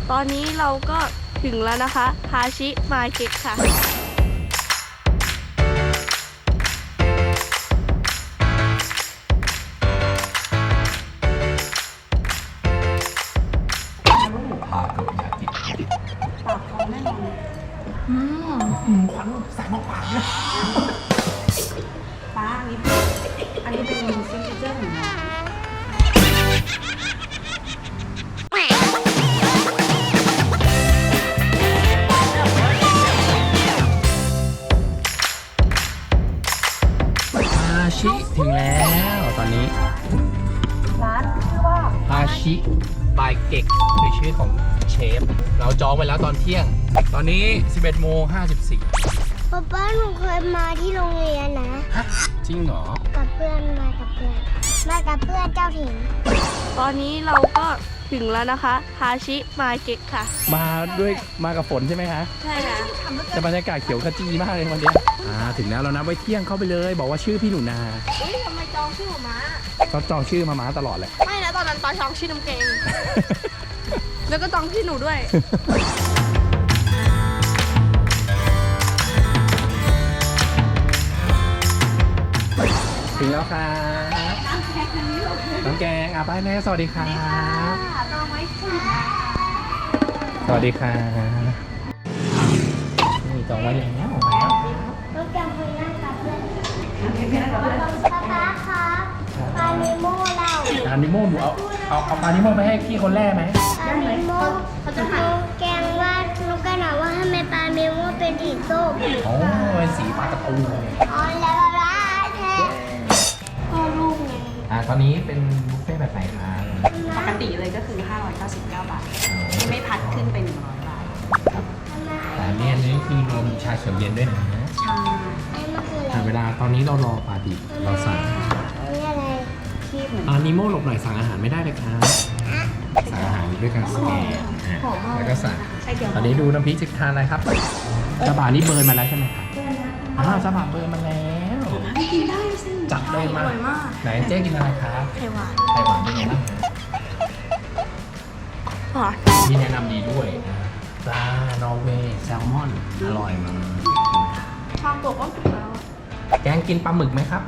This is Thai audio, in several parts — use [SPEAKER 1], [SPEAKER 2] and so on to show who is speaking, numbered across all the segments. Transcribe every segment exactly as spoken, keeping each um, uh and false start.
[SPEAKER 1] ตอนนี้เราก็ถึงแล้วนะคะฮาชิมาร์เก็ตค่ะ
[SPEAKER 2] พาโกยากิ
[SPEAKER 1] ปากท้องแน่นอน
[SPEAKER 2] อืมควันใส่หม้อปากเลย
[SPEAKER 1] ป้าอันนี้อันนี้เป็นซิกเนเจอร์ของน้อง
[SPEAKER 2] ฮาชิถึงแล้วตอนนี้
[SPEAKER 1] ร้านชื่อว่า
[SPEAKER 2] ฮาชิบายเก็กคือชื่อของเชฟเราจองไปแล้วตอนเที่ยงตอนนี้ สิบเอ็ดโมงห้าสิบสี่
[SPEAKER 3] ป๊าป้าหนูเคยมาที่โรงเรียนนะ
[SPEAKER 2] ฮะจริงเหรอ
[SPEAKER 3] กับเพื่อนมากับเพื่อนมากับเพื่อนเจ้าถิ่น
[SPEAKER 1] ตอนนี้เราก็ถึงแล้วนะคะฮาชิมาร์เก็ตค่ะ
[SPEAKER 2] มาด้วยมากับฝนใช่ไหมคะ
[SPEAKER 1] ใช่ค่ะ
[SPEAKER 2] แต่บรรยากาศเขียวขจีมากเลยวันนี้อ่าถึงแล้วเรานับไว้เที่ยงเข้าไปเลย บอกว่าชื่อพี่หนูนา
[SPEAKER 1] อุ้ยทำไมจองชื่อหมา
[SPEAKER 2] ก็จองชื่อมาม้าตลอดเลย
[SPEAKER 1] ไม่นะตอนนั้นปาจองชื่อน้ำเกง แล้วก็จองชื่อหนูด้วย
[SPEAKER 2] ถึงแล้วครับน้ำแกงอ่ะไปแม่สวัสดีครับสวัสดีครับนี่จองไว้แล้ว
[SPEAKER 3] น้องแกมคุยนั่งกับเพื่อนป๊าป๊าครับปลาเนโม่เรา
[SPEAKER 2] อานิโมหนูเอาเอาเอาปลานิโมไปให้พี่คนแรกไหม
[SPEAKER 3] ปลาเนโม่น้องแกงว่าน้องแกงถามว่าทำไมปลาเนโม่เป็นสีส้ม
[SPEAKER 2] โอ้เป็นสีปลาการะตูนเลย
[SPEAKER 3] อ๋อแล้วป๊าแท้พ่อลูกไง
[SPEAKER 2] อ่าตอนนี้เป็นบุฟเฟ่ต์แบบไหนครับ
[SPEAKER 1] ปกติเลยก็คือ ห้าร้อยเก้าสิบเก้า บาท ไม่พัดขึ้นเป็นหนึ่งร้อยบาท
[SPEAKER 2] ครับแต่อันนี้อันนี้คือรวมชาเขียวเย็นด้วยนะ
[SPEAKER 1] ใช่
[SPEAKER 3] ไอ้มันคืออะไร
[SPEAKER 2] แต่เวลาตอนนี้เรารอปลาดิบเราสั่ง
[SPEAKER 3] อันนี้อะไร
[SPEAKER 1] ที่เหมือน
[SPEAKER 2] อ่านิโมหลบหน่อยสั่งอาหารไม่ได้เลยครับสั่งอาหารด้วยการสแกนอ่ะแล้วก็สั่ง
[SPEAKER 1] ไอเดียว
[SPEAKER 2] ตอนนี้ดูน้ำพริกจะทานอะไรครับซาบะนี่เบิร์นมาแล้วใช่ไหมครับอ้าวซาบะเบิร์นมาแล้ว
[SPEAKER 1] ไม่กินได้สิ
[SPEAKER 2] จัดเลยมา
[SPEAKER 1] อร่อยมาก
[SPEAKER 2] ไหนเจ๊กินอะไรครับ
[SPEAKER 1] ไข่หวาน
[SPEAKER 2] ไข่หวานเป็นไงบ้าง
[SPEAKER 1] หวาน
[SPEAKER 2] มีแนะนำดีด้วยปลานอร์เวย์แซลมอนอร่อยมาก
[SPEAKER 1] ชอบตัวก็สุกแล้ว
[SPEAKER 2] แกงกินปลาหมึกไหมครับ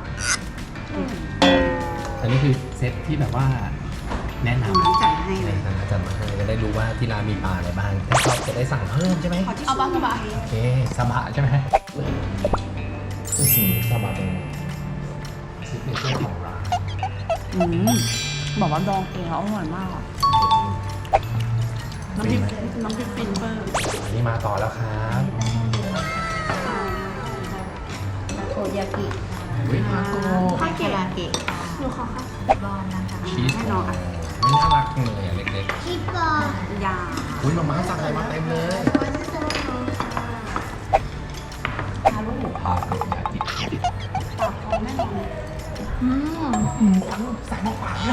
[SPEAKER 2] อันนี้คือเซตที่แบบว่าแนะนำ
[SPEAKER 1] จัดให้เลย
[SPEAKER 2] ทางอาจารย์มาให้จะได้รู้ว่าที่ร้านมีปลาอะไรบ้างถ้าชอบจะได้สั่งเพิ่มใช่ไหม
[SPEAKER 1] เอาบ้างก็บ้าง
[SPEAKER 2] โอเคซาบะใช่ไหมอื้อหือซาบะเป็นซิกเนเจอร์ของร้าน
[SPEAKER 1] อืมบอกว่าดองเองแล้วอร่อยมากอ่ะน้ำพริกน้ำพริกฟินเบอร์
[SPEAKER 2] อันนี้มาต่อแล้วครับ
[SPEAKER 1] โทยากิ
[SPEAKER 2] วิฮาโก
[SPEAKER 1] คาเกะเกะหนูขอค่ะบอลนะคะ
[SPEAKER 2] ชีส
[SPEAKER 1] แน่นอนอ่ะ
[SPEAKER 2] ไม่น่ารักจังเลยอ่ะเล็ก
[SPEAKER 3] คิดก่อน
[SPEAKER 1] ยา
[SPEAKER 2] ๆอุ้ยมาม่าสั่งอะไรมาเต็มเลยพาโกยากิ
[SPEAKER 1] ปากท้องแน่นอน
[SPEAKER 2] อืมควันใส่หม้อปากเลย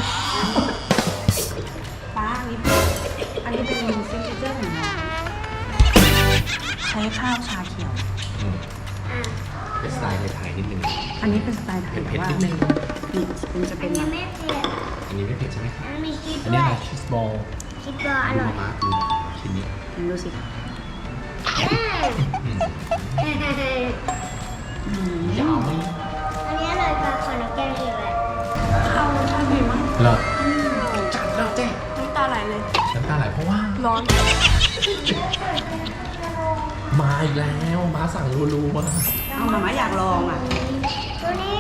[SPEAKER 1] ป้าอันนี้อันนี้เป็นซิกเนเจอร์ของน้องใช้ข้าวชาเขียว
[SPEAKER 2] อืมเป็นสไตล์ไทยๆนิดนึง
[SPEAKER 1] อันนี้เป็นสไตล์ไทย
[SPEAKER 2] เผ็ด
[SPEAKER 1] แต่
[SPEAKER 2] ๆ
[SPEAKER 1] ว่า
[SPEAKER 2] นิดนึง
[SPEAKER 1] นี่มันจะ
[SPEAKER 3] อั
[SPEAKER 1] เป็น น
[SPEAKER 3] นี้
[SPEAKER 1] แบบ
[SPEAKER 3] ไม่เผ็ด
[SPEAKER 2] อันนี้ไม่เผ็ดใช่ไหมครับ
[SPEAKER 3] มันมีชีส
[SPEAKER 2] อัน
[SPEAKER 3] ด้
[SPEAKER 2] นี้
[SPEAKER 3] วย
[SPEAKER 2] อะไรชีสบอล
[SPEAKER 3] ชีสบอลอ
[SPEAKER 2] ดู
[SPEAKER 3] ร่อย
[SPEAKER 2] มาม่าดูชิ้นนี้
[SPEAKER 1] ลองดูสิ
[SPEAKER 2] อืม
[SPEAKER 3] อืม
[SPEAKER 1] อืม
[SPEAKER 2] ยาวไหม
[SPEAKER 3] อันนี้อร่อยกว่าของน้องแกงอีกเลย
[SPEAKER 1] ข้าวรสชาติดีมาก
[SPEAKER 2] เหรอจัดแล้วเจ๊
[SPEAKER 1] น้ำตาไหลเลย
[SPEAKER 2] น้ำตาไหลเพราะว่า
[SPEAKER 1] ร้อน
[SPEAKER 2] มาอีกแล้วมาสั่งรัวๆมา
[SPEAKER 1] เอามาม่าอยากลองอ่ะ
[SPEAKER 3] ตัวนี้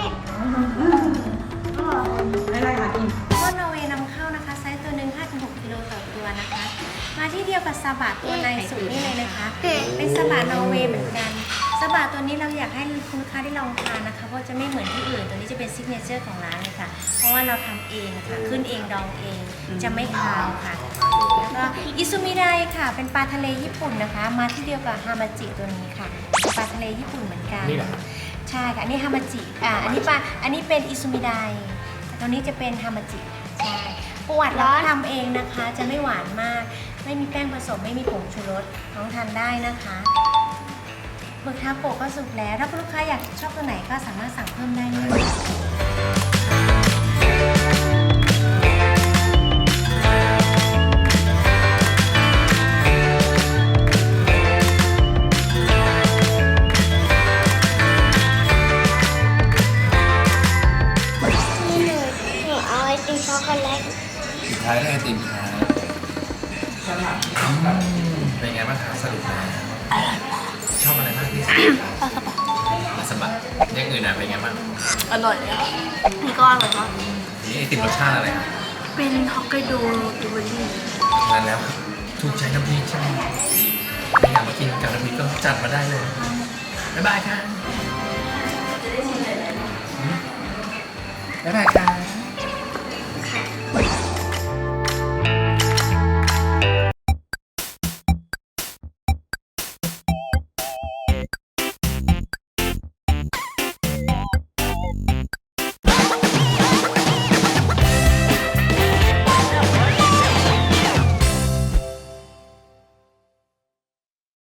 [SPEAKER 1] ไม่ไรค่ะกิน
[SPEAKER 4] ต้นนอร์เวย์นำเข้านะคะ ไซส์ตัวหนึ่ง ห้าถึงหก กิโลต่อตัวนะคะ มาที่เดียวกับซาบะตัวในสุดนี่เลยนะคะ เป็นซาบะนอร์เวย์เหมือนกันซาบะตัวนี้เราอยากให้คุณลูกค้าได้ลองทานนะคะ เพราะจะไม่เหมือนที่อื่น ตัวนี้จะเป็นซิกเนเจอร์ของร้านเลยค่ะ เพราะว่าเราทำเองค่ะ ขึ้นเองดองเอง จะไม่คาวค่ะ แล้วก็อิซุมิไดค่ะ เป็นปลาทะเลญี่ปุ่นนะคะ มาที่เดียวกับฮามาจิตัวนี้ค่ะเป็นปลาทะเลญี่ปุ่นเหมือนกัน
[SPEAKER 2] นี่แหละ
[SPEAKER 4] ใช่ค่ะ อันนี้ฮามาจิ อ่า อันนี้ปลา อันนี้เป็นอิซุมิไดแต่ตัวนี้จะเป็นฮามาจิ ใช่ปวดร้อนทำเองนะคะ จะไม่หวานมาก ไม่มีแป้งผสม ไม่มีผงชูรส น้องทานได้นะคะหมึกทาโกะก็สุกแล้ว ถ้าคุณลูกค้าอยากชอบตัวไหนก็สามารถสั่งเพิ่มได้เลย
[SPEAKER 2] เป็นไงบ้างคะสรุปแล้วชอบอะไรมากที่สุดปลาสบะปลาสบะอย่างอื่นอ่ะเป็นไงบ้าง
[SPEAKER 1] อร่อยเลยค่ะนี่ก็อร่อยมาก
[SPEAKER 2] นี่ไอติมรสชาติอะไร
[SPEAKER 1] เป็นฮอกไกโดบลูเบอร์รี่
[SPEAKER 2] นั่นแล้วถูกใจน้ำพริกใช่ไหมถ้าอยากมากินกับน้ำพริกก็จัดมาได้เลยบ๊ายบายค่ะบ๊ายบายค่ะ